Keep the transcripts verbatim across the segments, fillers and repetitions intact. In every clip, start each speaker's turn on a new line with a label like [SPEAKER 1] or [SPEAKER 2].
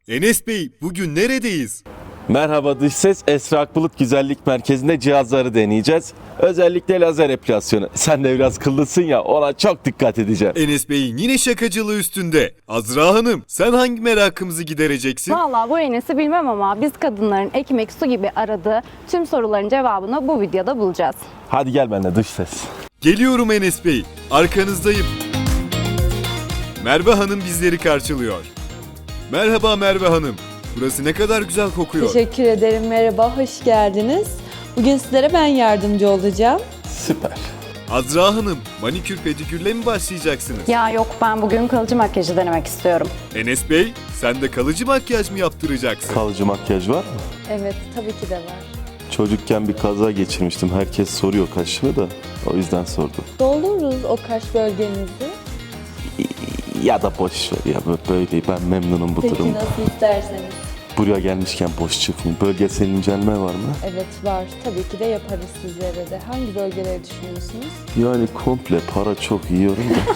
[SPEAKER 1] Enes Bey, bugün neredeyiz?
[SPEAKER 2] Merhaba dış ses, Esra Akbulut Güzellik Merkezi'nde cihazları deneyeceğiz. Özellikle lazer epilasyonu. Sen de biraz kıllısın ya, ona çok dikkat edeceğim.
[SPEAKER 1] Enes Bey'in yine şakacılığı üstünde. Azra Hanım, sen hangi merakımızı gidereceksin?
[SPEAKER 3] Vallahi bu Enes'i bilmem ama biz kadınların ekmek su gibi aradığı tüm soruların cevabını bu videoda bulacağız.
[SPEAKER 2] Hadi gel benimle dış ses.
[SPEAKER 1] Geliyorum Enes Bey, arkanızdayım. Merve Hanım bizleri karşılıyor. Merhaba Merve Hanım, burası ne kadar güzel kokuyor.
[SPEAKER 4] Teşekkür ederim. Merhaba, hoş geldiniz. Bugün sizlere ben yardımcı olacağım.
[SPEAKER 2] Süper.
[SPEAKER 1] Azra Hanım, manikür pedikürle mi başlayacaksınız?
[SPEAKER 3] Ya yok, ben bugün kalıcı makyajı denemek istiyorum.
[SPEAKER 1] Enes Bey, sen de kalıcı makyaj mı yaptıracaksın?
[SPEAKER 2] Kalıcı makyaj var mı?
[SPEAKER 4] Evet, tabii ki de var.
[SPEAKER 2] Çocukken bir kaza geçirmiştim. Herkes soruyor kaşımı da. O yüzden sordum.
[SPEAKER 4] Doldururuz o kaş bölgenizi.
[SPEAKER 2] Ya da boş ver ya, böyle ben memnunum bu
[SPEAKER 4] Peki
[SPEAKER 2] durumda.
[SPEAKER 4] nasıl isterseniz.
[SPEAKER 2] Buraya gelmişken boş çıkmayayım. Bölgesel incelme var mı?
[SPEAKER 4] Evet var. Tabii ki de yaparız sizlere de. Hangi bölgeleri düşünüyorsunuz?
[SPEAKER 2] Yani komple para çok yiyorum da.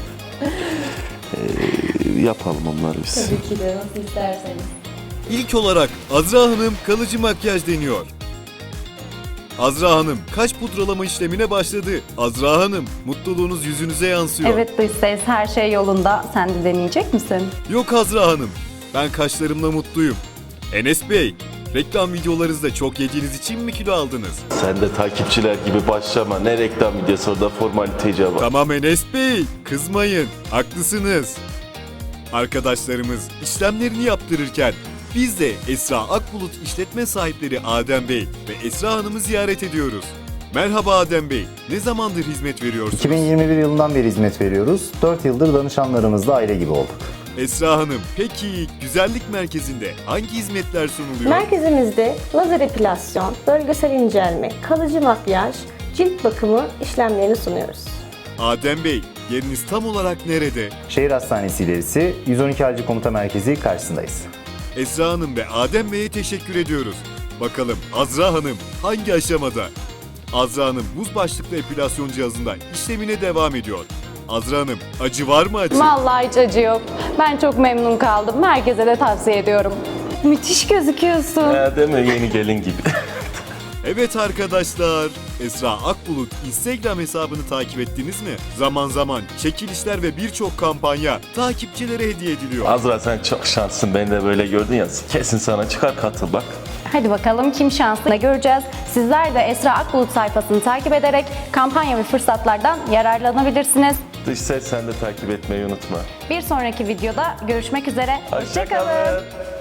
[SPEAKER 2] ee, yapalım onları biz.
[SPEAKER 4] Tabii ki de nasıl isterseniz.
[SPEAKER 1] İlk olarak Azra Hanım kalıcı makyaj deniyor. Azra Hanım kaş pudralama işlemine başladı. Azra Hanım, mutluluğunuz yüzünüze yansıyor.
[SPEAKER 3] Evet dış ses, her şey yolunda. Sen de deneyecek misin?
[SPEAKER 1] Yok Azra Hanım, ben kaşlarımla mutluyum. Enes Bey, reklam videolarınızda çok yediğiniz için mi kilo aldınız?
[SPEAKER 2] Sen de takipçiler gibi başlama. Ne reklam videosu, orada formalite icabı.
[SPEAKER 1] Tamam Enes Bey, kızmayın, haklısınız. Arkadaşlarımız işlemlerini yaptırırken biz de Esra Akbulut işletme sahipleri Adem Bey ve Esra Hanım'ı ziyaret ediyoruz. Merhaba Adem Bey, ne zamandır hizmet veriyorsunuz?
[SPEAKER 5] iki bin yirmi bir yılından beri hizmet veriyoruz. dört yıldır danışanlarımızla aile gibi olduk.
[SPEAKER 1] Esra Hanım, peki güzellik merkezinde hangi hizmetler sunuluyor?
[SPEAKER 6] Merkezimizde lazer epilasyon, bölgesel incelme, kalıcı makyaj, cilt bakımı işlemlerini sunuyoruz.
[SPEAKER 1] Adem Bey, yeriniz tam olarak nerede?
[SPEAKER 5] Şehir Hastanesi ilerisi yüz on iki Acil Komuta Merkezi karşısındayız.
[SPEAKER 1] Esra Hanım ve Adem Bey'e teşekkür ediyoruz. Bakalım Azra Hanım hangi aşamada? Azra Hanım buz başlıklı epilasyon cihazında işlemine devam ediyor. Azra Hanım, acı var mı acı?
[SPEAKER 3] Vallahi hiç acı yok. Ben çok memnun kaldım. Herkese de tavsiye ediyorum. Müthiş gözüküyorsun.
[SPEAKER 2] Ya deme, yeni gelin gibi.
[SPEAKER 1] Evet arkadaşlar, Esra Akbulut Instagram hesabını takip ettiniz mi? Zaman zaman çekilişler ve birçok kampanya takipçilere hediye ediliyor.
[SPEAKER 2] Azra sen çok şanslısın, beni de böyle gördün ya, kesin sana çıkar, katıl bak.
[SPEAKER 3] Hadi bakalım kim şanslı ne göreceğiz. Sizler de Esra Akbulut sayfasını takip ederek kampanya ve fırsatlardan yararlanabilirsiniz.
[SPEAKER 2] Dış ses, sen de takip etmeyi unutma.
[SPEAKER 3] Bir sonraki videoda görüşmek üzere. Hoşça kalın.
[SPEAKER 2] Hoşça kalın.